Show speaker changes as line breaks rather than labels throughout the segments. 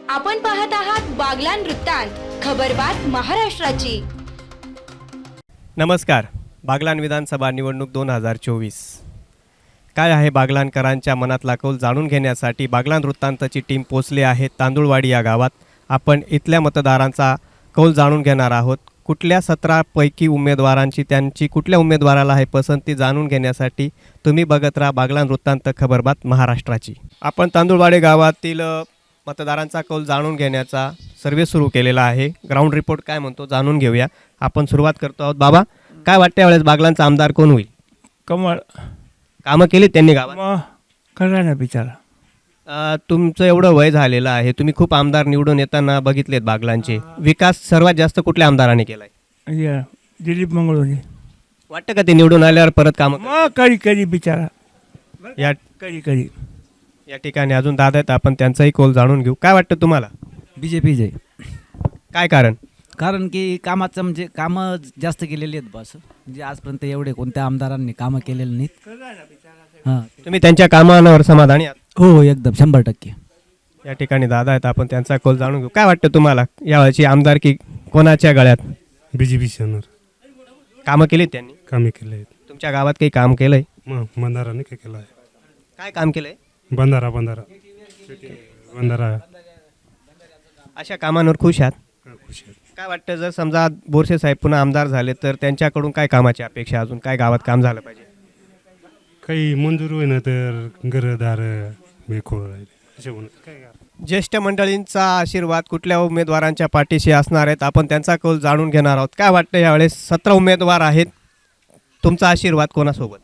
आपण पाहत आहात बागलान वृत्तांत, खबरबात महाराष्ट्राची.
नमस्कार. बागलान विधानसभा निवडणूक 2024 काय आहे बागलानकरांच्या मनातला कौल जाणून घेण्यासाठी बागलान वृत्तांतची टीम पोचली आहे तांदूळवाडी या गावात. आपण इथल्या मतदारांचा कौल जाणून घेणार आहोत. कुठल्या 17 पैकी उमेदवारांची त्यांची कुठल्या उमेदवाराला आहे पसंती जाणून घेण्यासाठी तुम्ही बघत राहा बागलान वृत्तांत खबरबात महाराष्ट्राची. आपण तांदूळवाडी गावातील मतदारांचा कौल जाणून घेण्याचा सर्वे सुरू केलेला आहे. ग्राउंड रिपोर्ट काय म्हणतो जाणून घेऊया. आपण सुरुवात करतो आहोत. बाबा, काय वाटतं यावेळेस बागलांचा आमदार कोण होईल?
कमळ
कामं केली त्यांनी गावात?
मग करा ना बिचारा.
तुमचं एवढं वय झालेलं आहे, तुम्ही खूप आमदार निवडून येताना बघितलेत बागलांचे. विकास सर्वात जास्त कुठल्या आमदारांनी केलाय?
या दिलीप मंगळोनी.
वाटतं का ते निवडून आल्यावर परत कामं
मग करी बिचारा
या
करी.
या ठिकाणी अजून दादा आहेत, आपण त्यांचाही कौल जाणून घेऊ. काय वाटतं तुम्हाला?
BJP जय.
काय कारण?
कारण की कामाचं म्हणजे कामं जास्त केलेली आहेत बस. म्हणजे आजपर्यंत एवढे कोणत्या आमदारांनी कामं केलेली नाहीत. हां,
तुम्ही त्यांच्या कामांवर समाधानी आहात?
हो एकदम 100%.
या ठिकाणी दादा आहेत, आपण त्यांचा कौल जाणून घेऊ. काय वाटतं तुम्हाला यावेळची आमदारकी कोणाच्या गळ्यात?
BJP येणार.
कामं केलीत त्यांनी?
कामे केले आहेत.
तुमच्या गावात काही काम केलंय?
मग बंधाराने काय केलं आहे?
काय काम केलंय?
बंधारा
अशा कामांवर खुश आहात?
खुश आहेत.
काय वाटतं जर समजा बोरसे साहेब पुन्हा आमदार झाले तर त्यांच्याकडून काय कामाची अपेक्षा, अजून काय गावात काम झालं पाहिजे?
काही मंजूर होईना तर घरदार बेखोळ राहिले असे म्हणून काय करा.
ज्येष्ठ मंडळींचा आशीर्वाद कुठल्या उमेदवारांच्या पाठीशी असणार आहेत, आपण त्यांचा कौल जाणून घेणार आहोत. काय वाटतं यावेळेस 17 उमेदवार आहेत, तुमचा आशीर्वाद कोणासोबत?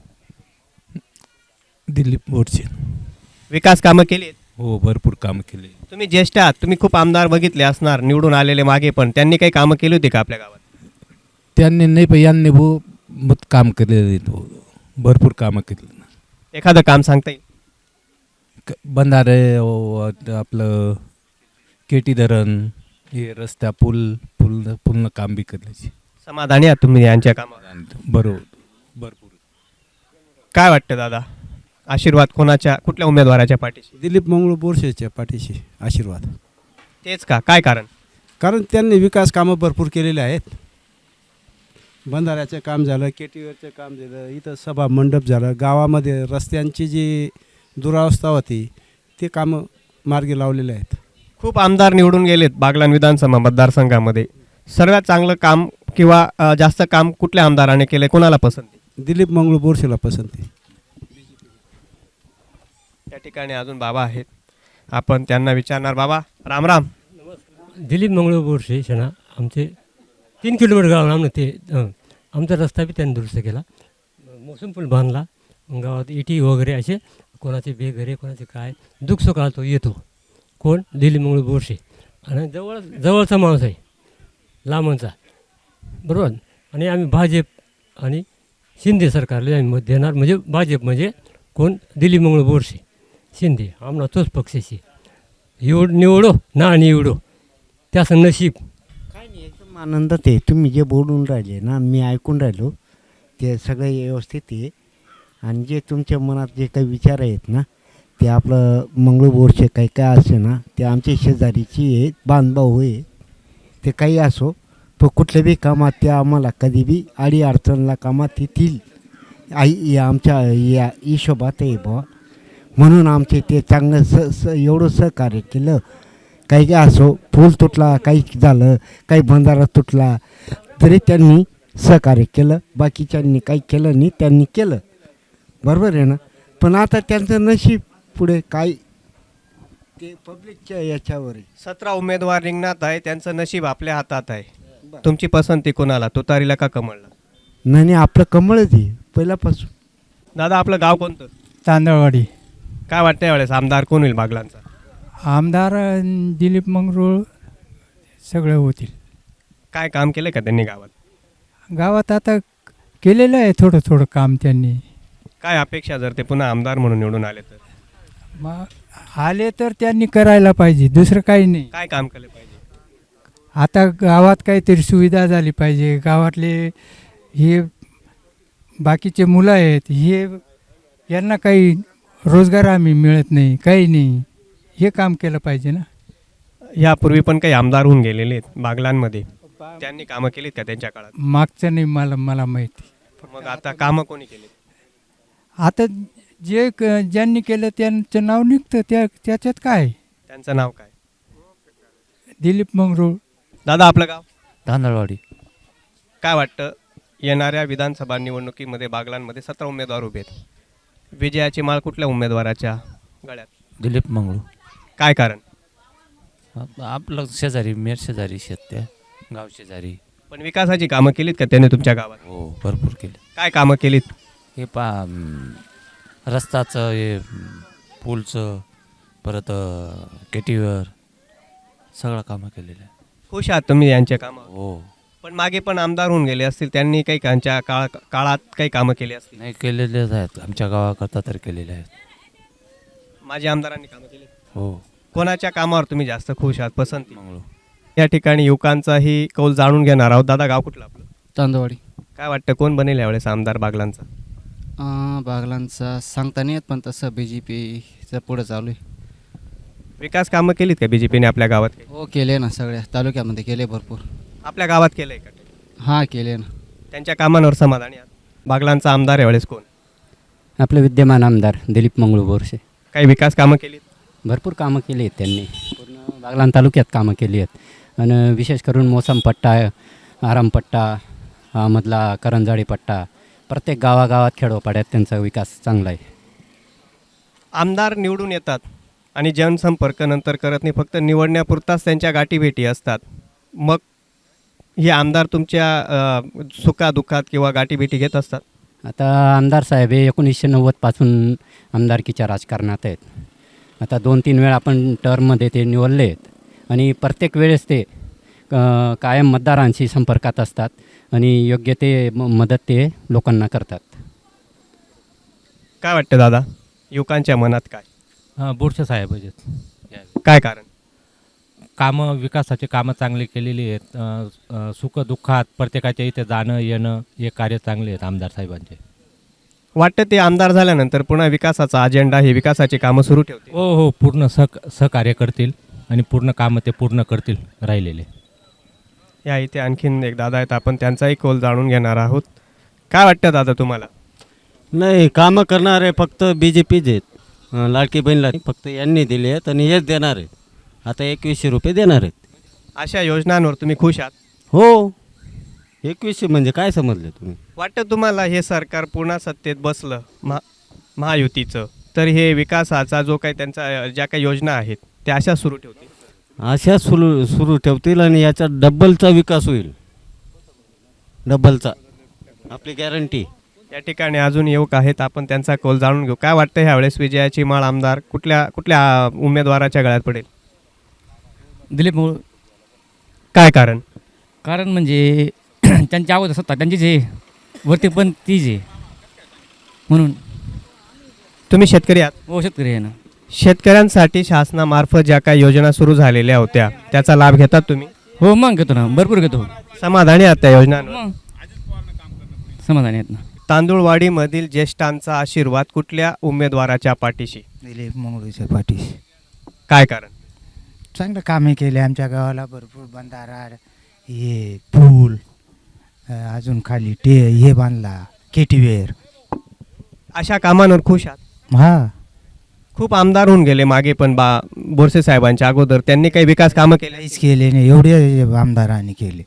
दिलीप बोरसे.
विकास कामं केली आहेत?
हो, भरपूर कामं केले.
तुम्ही ज्येष्ठ आहात, तुम्ही खूप आमदार बघितले असणार निवडून आलेले मागे, पण त्यांनी काही कामं केली होती का आपल्या गावात?
त्यांनी नाही पण यांनी मत काम केलेले भरपूर कामं केली.
एखादं काम सांगता येईल?
बंधारे आपलं केटी धरण, हे रस्त्या पूर्ण काम बी केल्याची.
समाधानी आहात तुम्ही यांच्या कामावर?
बरोबर, भरपूर.
काय वाटतं दादा, आशीर्वाद कोणाच्या, कुठल्या उमेदवाराच्या पाठीशी?
दिलीप मंगळ बोरसेच्या पाठीशी आशीर्वाद.
तेच का? काय कारण?
कारण त्यांनी विकास कामं भरपूर केलेले आहेत. बंधाऱ्याचं काम झालं, केटीवरचं काम झालं, इथं सभा मंडप झालं, गावामध्ये रस्त्यांची जी दुरावस्था होती ते कामं मार्गी लावलेले आहेत.
खूप आमदार निवडून गेलेत बागलान विधानसभा मतदारसंघामध्ये. सर्वात चांगलं काम किंवा जास्त काम कुठल्या आमदाराने केले, कोणाला पसंती?
दिलीप मंगळ बोरसेला पसंती.
त्या ठिकाणी अजून बाबा आहेत, आपण त्यांना विचारणार. बाबा राम राम.
दिलीप मंगळ बोरसे शना आमचे 3 किलोमीटर गाव आमनं ते आमचा रस्ता बी त्यांनी दुरुस्त केला, मोसम पूल बांधला. गावात इटी वगैरे असे कोणाचे बेघरे कोणाचे काय दुःख सुख आलं तो येतो. कोण? दिलीप मंगळ बोरसे. आणि जवळचा माणूस आहे, लांबचा, बरोबर. आणि आम्ही भाजप आणि शिंदे सरकारला आम्ही मत देणार. म्हणजे भाजप म्हणजे कोण? दिलीप मंगळ बोरसे, शिंदे. आम्हाला तोच पक्षाशी निवडो ना निवडो, त्याचं नशीब.
काय नाही, एकदम आनंदात आहे. तुम्ही जे बोलून राहिले ना, मी ऐकून राहिलो, ते सगळे व्यवस्थित आहे. आणि जे तुमच्या मनात जे काही विचार आहेत ना, ते आपलं मंगळू बोरसे काही काय असे ना, ते आमच्या शेजारीची आहे, बांधभाऊ आहे. ते काही असो, पण कुठल्या बी कामात ते आम्हाला कधी बी अडी अडचणला कामात येतील आई आमच्या या हिशोबात आहे बुवा. म्हणून आमचे ते चांगलं एवढं सहकार्य केलं. काही काय असो, पूल तुटला, काही झालं, काही बंधारा तुटला तरी त्यांनी सहकार्य केलं. बाकीच्यांनी काही केलं नाही, त्यांनी केलं. बरोबर आहे ना. पण आता त्यांचं नशीब पुढे काय ते पब्लिकच्या याच्यावर आहे.
17 उमेदवार रिंगणात आहे, त्यांचं नशीब आपल्या हातात आहे. तुमची पसंती कोणाला, तुतारीला का कमळला?
नाही, आपलं कमळच आहे पहिल्यापासून.
दादा आपलं गाव कोणतं?
तांदळवाडी.
काय वाटतं यावेळेस आमदार कोण होईल बागलांचा?
आमदार दिलीप मंगळ सगळे होतील.
काय काम केलं का त्यांनी गावात?
गावात आता केलेलं आहे थोडं काम त्यांनी.
काय अपेक्षा जर ते पुन्हा आमदार म्हणून निवडून आले तर?
मग आले तर त्यांनी करायला पाहिजे, दुसरं काही नाही.
काय काम केलं पाहिजे?
आता गावात काहीतरी सुविधा झाली पाहिजे. गावातले हे बाकीचे मुलं आहेत, हे यांना काही रोजगार आम्ही मिळत नाही, काही नाही. हे काम केलं पाहिजे ना.
यापूर्वी पण काही आमदार होऊन गेलेले आहेत बागलांमध्ये, त्यांनी कामं केलीत का त्यांच्या काळात?
मागचं नाही मला माहिती.
मग आता कामं कोणी केली?
आता ज्यांनी केलं त्यांचं नाव निघतं त्याच्यात काय.
त्यांचं नाव काय?
दिलीप मंगरूळ.
दादा आपलं गाव?
तांदळवाडी.
काय वाटतं, येणाऱ्या विधानसभा निवडणुकीमध्ये बागलांमध्ये 17 उमेदवार उभे आहेत, विजयाची माळ कुठल्या उमेदवाराच्या गळ्यात?
दिलीप मंगळू.
काय कारण?
आपलं शेजारी मेर शेजारी शेत गाव शेजारी.
पण विकासाची कामं केलीत का त्याने तुमच्या गावात?
हो भरपूर केले.
काय कामं केलीत?
हे रस्ताचं, हे पूलचं, परत केटीवर सगळं कामं केलेलं आहे.
खुश आहात तुम्ही यांच्या कामं?
हो.
पण मागे पण आमदार होऊन गेले असतील, त्यांनी काही त्यांच्या काळात काही कामं केली असतील?
नाही केलेलेच आहेत, आमच्या गावाकरता तर केलेले आहेत.
माझे आमदारांनी कामं केली?
हो.
कोणाच्या कामावर तुम्ही जास्त खुश आहात, पसंती?
मंगळू.
या ठिकाणी युवकांचाही कौल जाणून घेणार आहोत. दादा गाव कुठलं आपलं?
तांदवाडी.
काय वाटतं कोण बनेल यावेळेस आमदार बागलांचा?
बागलांचा सांगता नाही येत, पण तसं BJPचं पुढं चालू आहे.
विकास कामं केलीत का BJPने आपल्या गावात?
हो केले ना, सगळ्या तालुक्यामध्ये केले भरपूर.
आपल्या गावात केलंय का?
हां केले ना.
त्यांच्या कामांवर समाधानी आहात? बागलांचा आमदार यावेळेस कोण?
आपले विद्यमान आमदार दिलीप मंगळू बोरसे.
काही विकास कामं केलीत?
भरपूर कामं केली आहेत त्यांनी, पूर्ण बागलाण तालुक्यात कामं केली आहेत. आणि विशेष करून मोसम पट्टा, आरामपट्टा मधला करंजाळी पट्टा, प्रत्येक गावागावात खेडोपाड्यात त्यांचा विकास चांगला आहे.
आमदार निवडून येतात आणि जनसंपर्क नंतर करत नाही, फक्त निवडण्यापुरताच त्यांच्या गाठीभेटी असतात. मग हे आमदार तुमच्या सुखादुःखात किंवा गाठीभेटी घेत असतात?
आता आमदार साहेब हे 1990 पासून आमदारकीच्या राजकारणात आहेत. आता 2-3 वेळा आपण टर्ममध्ये ते निवडले आहेत आणि प्रत्येक वेळेस ते कायम मतदारांशी संपर्कात असतात आणि योग्य ते मदत ते लोकांना करतात.
काय वाटतं दादा, युवकांच्या मनात काय?
बोरसे साहेब आहेत.
काय कारण?
कामं, विकासाचे कामं चांगले केलेली आहेत. सुखदुःखात प्रत्येकाच्या इथे जाणं येणं हे कार्य चांगले आहेत आमदार साहेबांचे.
वाटतं ते आमदार झाल्यानंतर पुन्हा विकासाचा अजेंडा, हे विकासाची कामं सुरू ठेवतील?
हो पूर्ण सहकार्य करतील आणि पूर्ण कामं ते पूर्ण करतील राहिलेले.
या इथे आणखीन एक दादा आहेत, आपण त्यांचाही कौल जाणून घेणार आहोत. काय वाटतं दादा तुम्हाला?
नाही, कामं करणारे फक्त BJPच आहेत. लाडकी बहीणला फक्त यांनी दिले आहेत आणि हेच देणार आहेत. आता 2100 रुपये देणार आहेत.
अशा योजनांवर तुम्ही खुश आहात?
हो. 2100 म्हणजे काय समजले तुम्ही?
वाटतं तुम्हाला हे सरकार पुन्हा सत्तेत बसलं महायुतीचं, तर हे विकासाचा जो काही त्यांचा ज्या काही योजना आहेत त्या अशा सुरू ठेवतील?
अशा सुरू ठेवतील आणि याचा डब्बलचा विकास होईल. डब्बलचा, आपली गॅरंटी.
या ठिकाणी अजून युवक आहेत, आपण त्यांचा कौल जाणून घेऊ. काय वाटतं ह्यावेळेस विजयाची माळ आमदार कुठल्या उमेदवाराच्या गळ्यात पडेल?
दिलीप मंगळू.
काय कारण?
कारण म्हणजे त्यांच्या अगोदर सत्ता त्यांचीच आहे, वरती पण तीच आहे म्हणून.
तुम्ही शेतकरी आहात?
हो शेतकरी आहे ना.
शेतकऱ्यांसाठी शासनामार्फत ज्या काही योजना सुरू झालेल्या होत्या त्याचा लाभ घेतात तुम्ही?
हो मग घेतो ना, भरपूर घेतो.
समाधानी आहात त्या योजनांवर?
मग समाधानी आहेत ना.
तांदूळवाडीमधील ज्येष्ठांचा आशीर्वाद कुठल्या उमेदवाराच्या पाठीशी?
दिलीप मंगळूच्या पाठीशी.
काय कारण?
चांगलं कामे केले आमच्या गावाला, भरपूर बंधारा, हे पूल, अजून खाली हे बांधला, केटीवेर.
अशा कामांवर खुश आहात?
हा.
खूप आमदार होऊन गेले मागे पण बोरसे साहेबांच्या अगोदर, त्यांनी काही विकास कामं केले?
काहीच केले नाही, एवढे आमदारांनी केले.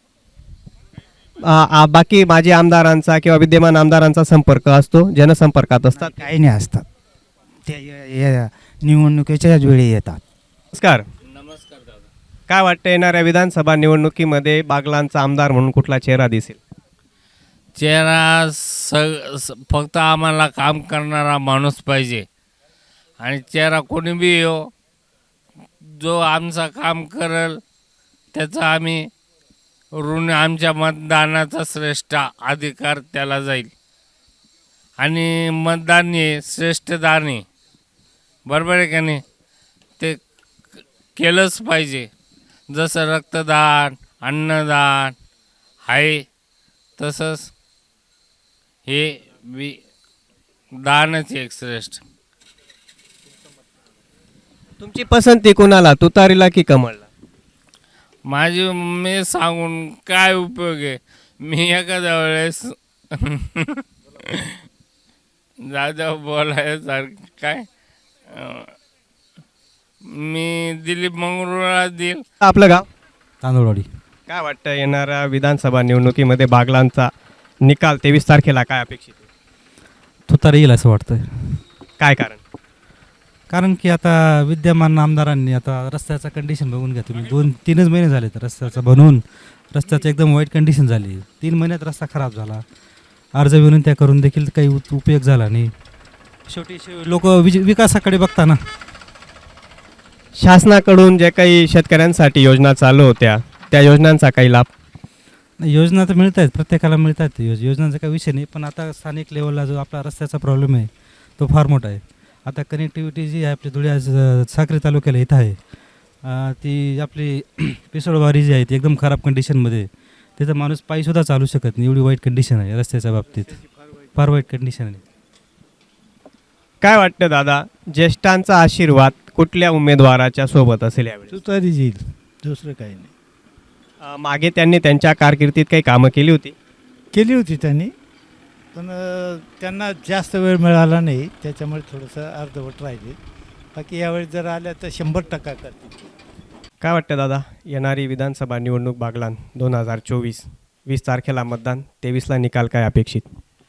बाकी माजी आमदारांचा किंवा विद्यमान आमदारांचा संपर्क असतो, जनसंपर्कात असतात?
काही नाही असतात, ते निवडणुकीच्याच वेळी येतात.
नमस्कार. काय वाटतं येणाऱ्या विधानसभा निवडणुकीमध्ये बागलांचा आमदार म्हणून कुठला चेहरा दिसेल?
चेहरा फक्त आम्हाला काम करणारा माणूस पाहिजे आणि चेहरा कोणी बी येऊ, जो आमचं काम करेल त्याचा आम्ही ऋण, आमच्या मतदानाचा श्रेष्ठ अधिकार त्याला जाईल. आणि मतदान हे श्रेष्ठ दान आहे, बरोबर आहे का नाही? ते केलंच पाहिजे. जसं रक्तदान, अन्नदान आहे तसंच हे दानच एक श्रेष्ठ.
तुमची पसंती कोणाला, तुतारीला की कमळला?
माझी मी सांगून काय उपयोग आहे. मी एखाद्या वेळेस जाऊ बोलायसारखं काय मी दिलीप मंगरूळला देईल.
आपलं गाव?
तांदूळवाडी.
काय वाटतं येणाऱ्या विधानसभा निवडणुकीमध्ये बागलांचा निकाल 23 तारखेला काय अपेक्षित आहे?
तुतारी येईल असं वाटतं.
काय कारण?
कारण की आता विद्यमान आमदारांनी आता रस्त्याचा कंडिशन बघून घ्या तुम्ही. 2-3च महिने झाले तर रस्त्याचं बनवून रस्त्याचं एकदम वाईट कंडिशन झाली. 3 महिन्यात रस्ता खराब झाला. अर्ज विनंत्या करून देखील काही उपयोग झाला नाही. शेवटी लोक विकासाकडे बघता ना.
शासनाकडून जे काही शेतकऱ्यांसाठी योजना चालू होत्या त्या योजनांचा काही लाभ?
योजना तर मिळत आहेत, प्रत्येकाला मिळत आहेत योजनांचा काही विषय नाही. पण आता स्थानिक लेवलला जो आपला रस्त्याचा प्रॉब्लेम आहे तो फार मोठा आहे. आता कनेक्टिव्हिटी जी आहे आपली धुळे साक्री तालुक्याला इथं आहे, ती आपली पिसोडवारी जी आहे ती एकदम खराब कंडिशनमध्ये. तिथं माणूस पायीसुद्धा चालू शकत नाही, एवढी वाईट कंडिशन आहे रस्त्याच्या बाबतीत. फार वाईट कंडिशन आहे.
काय वाटतं दादा, ज्येष्ठांचा आशीर्वाद कुठल्या उमेदवाराच्या सोबत असेल यावेळी?
तुतारी येईल, दुसरं काही नाही.
मागे त्यांनी त्यांच्या कारकिर्दीत काही कामं केली होती?
केली होती त्यांनी, पण त्यांना जास्त वेळ मिळाला नाही, त्याच्यामुळे थोडंसं अर्धवट राहिले. बाकी यावेळी जर आल्या तर 100% करतील.
काय वाटतं दादा, येणारी विधानसभा निवडणूक बागलान 2024, 20 तारखेला मतदान, 23ला निकाल काय अपेक्षित?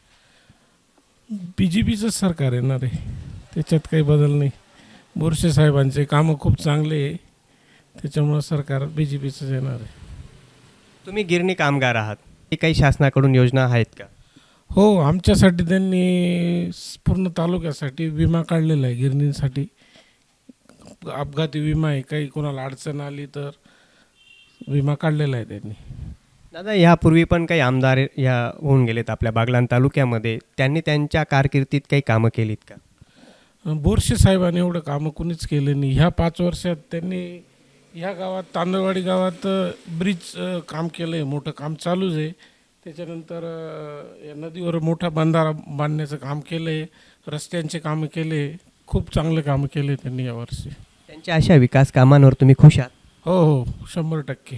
BJPचं सरकार येणार आहे, त्याच्यात काही बदल नाही. बोरसे साहेबांचे कामं खूप चांगले आहे, त्याच्यामुळं सरकार BJPचंच येणार आहे.
तुम्ही गिरणी कामगार आहात, काही शासनाकडून योजना आहेत का?
हो, आमच्यासाठी त्यांनी पूर्ण तालुक्यासाठी विमा काढलेला आहे. गिरणींसाठी अपघाती विमा आहे, काही कोणाला अडचण आली तर विमा काढलेला आहे त्यांनी.
दादा, यापूर्वी पण काही आमदार या होऊन गेलेत आपल्या बागलाण तालुक्यामध्ये, त्यांनी त्यांच्या कारकिर्दीत काही कामं केलीत का?
बोरसे साहेबांनी एवढं कामं कुणीच केलं नाही. ह्या 5 वर्षात त्यांनी ह्या गावात तांदळवाडी गावात ब्रिज काम केलं आहे, मोठं काम चालूच आहे. त्याच्यानंतर या नदीवर मोठा बंधारा बांधण्याचं काम केलं आहे, रस्त्यांचे कामं केले, खूप चांगले कामं केले त्यांनी यावर्षी.
त्यांच्या अशा विकास कामांवर तुम्ही खुश आहात?
हो, 100%.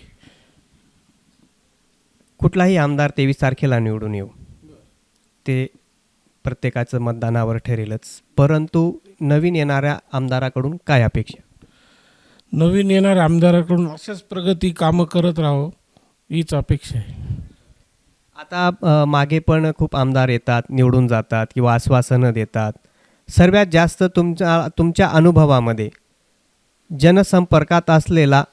कुठलाही आमदार 23 तारखेला निवडून येऊ, ते प्रत्येकाचं मतदानावर ठरेलच, परंतु नवीन येणाऱ्या आमदाराकडून काय अपेक्षा?
नवीन येणाऱ्या आमदाराकडून अशाच प्रगती कामं करत राहावं हीच अपेक्षा आहे.
आता मागे पण खूप आमदार येतात, निवडून जातात किंवा आश्वासनं देतात. सर्वात जास्त तुमच्या अनुभवामध्ये जनसंपर्कात असलेला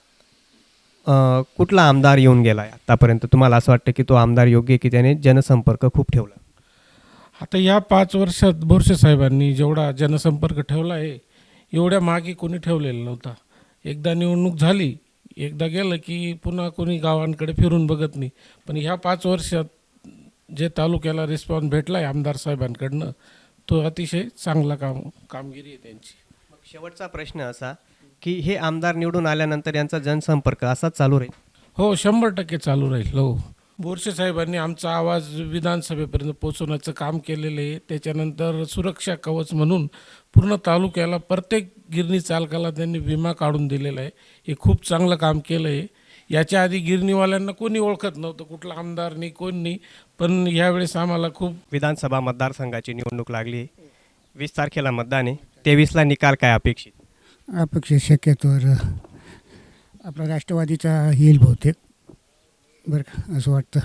कुठला आमदार येऊन गेला आहे आतापर्यंत? तुम्हाला असं वाटतं की तो आमदार योग्य की त्याने जनसंपर्क खूप ठेवला?
आता या 5 वर्षात बोरसे साहेबांनी जेवढा जनसंपर्क ठेवला आहे एवढ्या मागे कोणी ठेवलेला नव्हता. एकदा निवडणूक झाली, एकदा गेलं की पुन्हा कोणी गावांकडे फिरून बघत नाही. पण ह्या 5 वर्षात जे तालुक्याला रिस्पॉन्स भेटला आहे आमदार साहेबांकडनं, तो अतिशय चांगला कामगिरी आहे त्यांची.
मग शेवटचा प्रश्न असा की हे आमदार निवडून आल्यानंतर यांचा जनसंपर्क असाच चालू राहील?
हो, 100% चालू राहील. हो, बोरसे साहेबांनी आमचा आवाज विधानसभेपर्यंत पोहोचवण्याचं काम केलेलं आहे. त्याच्यानंतर सुरक्षा कवच म्हणून पूर्ण तालुक्याला प्रत्येक गिरणी चालकाला त्यांनी विमा काढून दिलेला आहे. हे खूप चांगलं काम केलं आहे. याच्या आधी गिरणीवाल्यांना कोणी ओळखत नव्हतं, कुठला आमदार नाही, कोण नाही. पण यावेळेस आम्हाला खूप.
विधानसभा मतदारसंघाची निवडणूक लागली, 20 तारखेला मतदान आहे, 23ला निकाल काय अपेक्षित?
अपेक्षित शक्यतोवर आपला राष्ट्रवादीचा येईल बहुतेक, बरं का, असं वाटतं.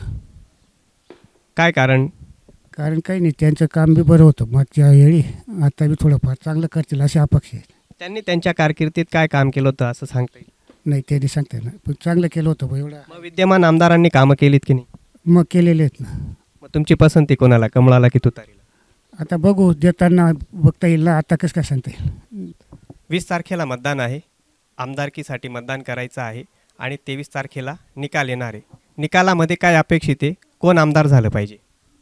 काय कारण?
कारण काही नाही, त्यांचं काम बी बरं होतं मागच्या वेळी, आता बी थोडंफार चांगलं करतील अशी अपेक्षा आहे.
त्यांनी त्यांच्या कारकिर्दीत काय काम केलं होतं असं सांगता येईल?
नाही, त्यांनी सांगता येईल, पण चांगलं केलं होतं बा एवढं.
मग विद्यमान आमदारांनी कामं केलीत की नाही?
मग केलेले आहेत ना.
मग तुमची पसंती कोणाला, कमळाला की तुतारीला?
आता बघू, देताना बघता येईल ना, आता कसं काय सांगता येईल.
20 तारखेला मतदान आहे, आमदारकीसाठी मतदान करायचं आहे आणि 23 तारखेला निकाल येणार आहे. निकालामध्ये काय अपेक्षित आहे, कोण आमदार झालं पाहिजे?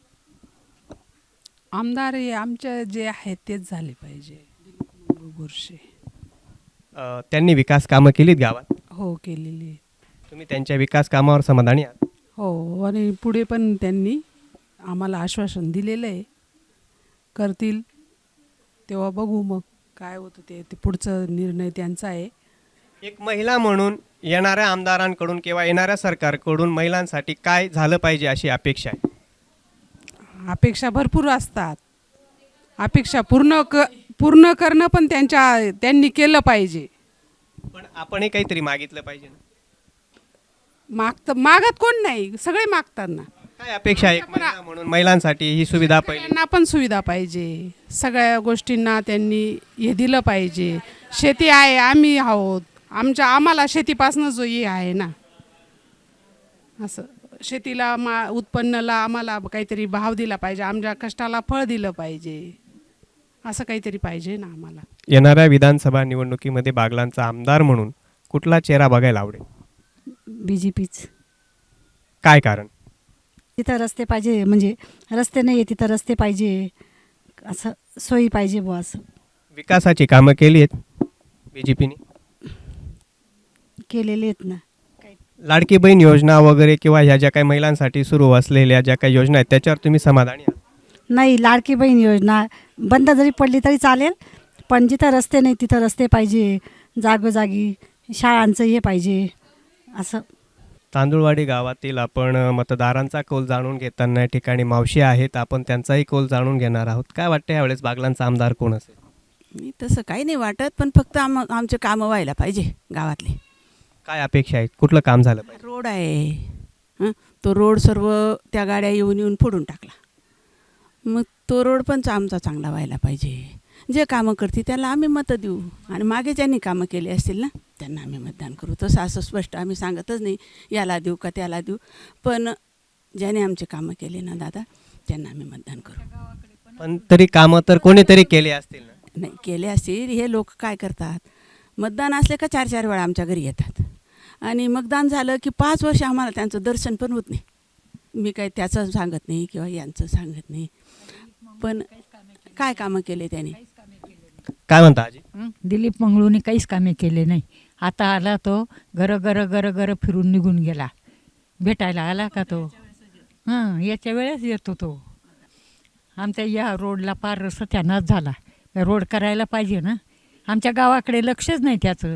आमदार हे आमच्या जे आहेत तेच झाले पाहिजे. बोरसे
त्यांनी विकास कामं केलीत गावात?
हो, केलेली.
तुम्ही त्यांच्या विकास कामावर समाधानी आहात?
हो, आणि पुढे पण त्यांनी आम्हाला आश्वासन दिलेलं आहे, करतील तेव्हा बघू मग. काय होतं ते पुढचं निर्णय त्यांचा आहे.
एक महिला म्हणून येणाऱ्या आमदारांकडून किंवा येणाऱ्या सरकारकडून महिलांसाठी काय झालं पाहिजे अशी अपेक्षा आहे?
अपेक्षा भरपूर असतात. अपेक्षा पूर्ण करणं पण त्यांनी केलं पाहिजे.
पण आपणही काहीतरी मागितलं पाहिजे ना.
मागत कोण नाही, सगळे मागतात ना.
काय अपेक्षा आहे एक महिला म्हणून महिलांसाठी ही सुविधा पाहिजे?
त्यांना पण सुविधा पाहिजे. सगळ्या गोष्टींना त्यांनी हे दिलं पाहिजे. शेती आहे, आम्ही आहोत, आम्हाला शेतीपासून जो हे आहे ना, असं शेतीला उत्पन्नाला आम्हाला काहीतरी भाव दिला पाहिजे, आमच्या कष्टाला फळ दिलं पाहिजे, असं काहीतरी पाहिजे ना आम्हाला.
येणाऱ्या विधानसभा निवडणुकीमध्ये बागलांचा आमदार म्हणून कुठला चेहरा बघायला आवडेल?
BJPच.
काय कारण?
तिथं रस्ते पाहिजे, म्हणजे रस्ते नाही आहे तिथं रस्ते पाहिजे, असं सोयी पाहिजे बुवा. असं
विकासाची कामं केली आहेत BJPने?
केलेले आहेत ना.
लाडकी बहीण योजना वगैरे किंवा ह्या ज्या काही महिलांसाठी सुरू असलेल्या ज्या काही योजना आहेत त्याच्यावर तुम्ही समाधानी आहात?
नाही, लाडकी बहीण योजना बंद जरी पडली तरी चालेल, पण जिथं रस्ते नाही तिथं रस्ते पाहिजे, जागोजागी शाळांचं हे पाहिजे असं.
तांदुळवाडी गावातील आपण मतदारांचा कौल जाणून घेताना या ठिकाणी मावशी आहेत, आपण त्यांचाही कौल जाणून घेणार आहोत. काय वाटतं यावेळेस बागलांचा आमदार कोण असेल?
मी तसं काही नाही वाटत, पण फक्त आमचे कामं व्हायला पाहिजे गावातले.
काय अपेक्षा आहेत? कुठलं काम झालं पाहिजे?
रोड आहे, तो रोड सर्व त्या गाड्या येऊन फोडून टाकला. मग तो रोड पण आमचा चांगला व्हायला पाहिजे. जे कामं करते त्याला आम्ही मतं देऊ, आणि मागे ज्यांनी कामं केली असतील ना त्यांना आम्ही मतदान करू. तसं असं स्पष्ट आम्ही सांगतच नाही याला देऊ का त्याला देऊ, पण ज्याने आमचे कामं केले ना दादा त्यांना आम्ही मतदान करू.
पण तरी कामं तर कोणीतरी केले असतील ना?
नाही केले असतील. हे लोक काय करतात, मतदान असले का 4-4 वेळा आमच्या घरी येतात, आणि मतदान झालं की 5 वर्ष आम्हाला त्यांचं दर्शन पण होत नाही. मी काही त्याचं सांगत नाही किंवा यांचं सांगत नाही, पण काय कामं केले त्याने.
काय म्हणता आजी?
दिलीप मंगळूने काहीच कामे केले नाही. आता आला तो घर फिरून निघून गेला. भेटायला आला का तो? याच्या वेळेस येतो तो. आमच्या या रोडला फार सत्यानाश झाला. रोड करायला पाहिजे ना. आमच्या गावाकडे लक्षच नाही त्याचं.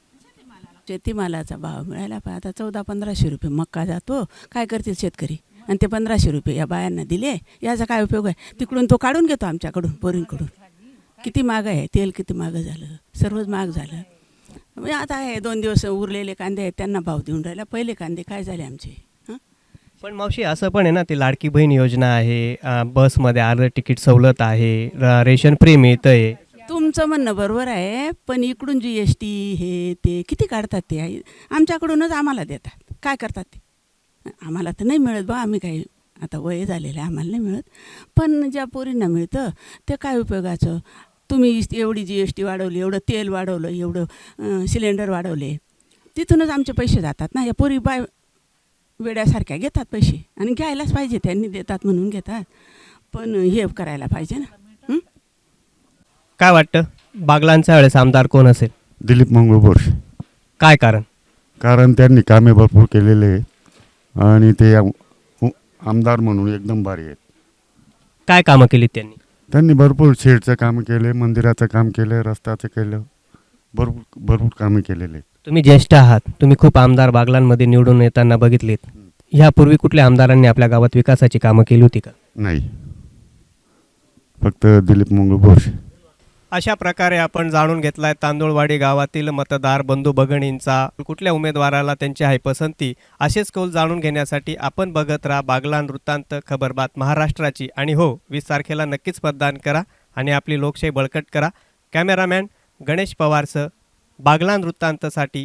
शेतीमालाचा भाव मिळायला पाहिजे. आता 1400-1500 रुपये मक्का जातो. काय करतील शेतकरी? आणि ते 1500 रुपये या बायांना दिले, याचा काय उपयोग आहे? तिकडून तो काढून घेतो आमच्याकडून, बोरिंगकडून. किती महाग आहे तेल, किती महाग झालं, सर्वच महाग झालं. म्हणजे आता हे 2 दिवस उरलेले कांदे आहेत त्यांना भाव देऊन राहिला. पहिले कांदे काय झाले आमचे?
पण मावशी असं पण आहे ना, ती लाडकी बहीण योजना आहे, बसमध्ये अर्ध तिकीट सवलत आहे, रेशन फ्री मिळतं आहे.
तुमचं म्हणणं बरोबर आहे, पण इकडून GST हे ते किती काढतात ते आमच्याकडूनच आम्हाला देतात. काय करतात ते? आम्हाला तर नाही मिळत बा. आम्ही काही आता वय झालेलं आहे, आम्हाला नाही मिळत. पण ज्या पोरींना मिळतं ते काय उपयोगाचं? तुम्ही एवढी GST वाढवली, एवढं तेल वाढवलं, एवढं सिलेंडर वाढवले, तिथूनच आमचे पैसे जातात ना. या पोरी वेड्यासारख्या घेतात पैसे, आणि घ्यायलाच पाहिजे, त्यांनी देतात म्हणून घेतात, पण हे करायला पाहिजे ना.
काय वाटतं बागलांच्या वेळेस आमदार कोण असेल?
दिलीप मंगळ बोरसे.
काय कारण?
कारण त्यांनी कामे भरपूर केलेले आहेत आणि ते आमदार म्हणून एकदम भारी आहेत.
काय कामं केली त्यांनी?
त्यांनी भरपूर शेडचं काम केले, मंदिराचं काम केलं, रस्त्याचं केलं, भरपूर कामे केलेले आहेत.
तुम्ही ज्येष्ठ आहात, तुम्ही खूप आमदार बागलांमध्ये निवडून येताना बघितलेत. ह्यापूर्वी कुठल्या आमदारांनी आपल्या गावात विकासाची कामं केली होती का?
नाही, फक्त दिलीप मंगळ बोरसे.
अशा प्रकारे आपण जाणून घेतलाय तांदुळवाडी गावातील मतदार बंधू भगिनींचा कुठल्या उमेदवाराला त्यांची आहे पसंती. असेच कौल जाणून घेण्यासाठी आपण बघत राहा बागलान वृत्तांत, खबरबात महाराष्ट्राची. आणि हो, 20 तारखेला नक्कीच मतदान करा आणि आपली लोकशाही बळकट करा. कॅमेरामॅन गणेश पवारसह बागलान वृत्तांतसाठी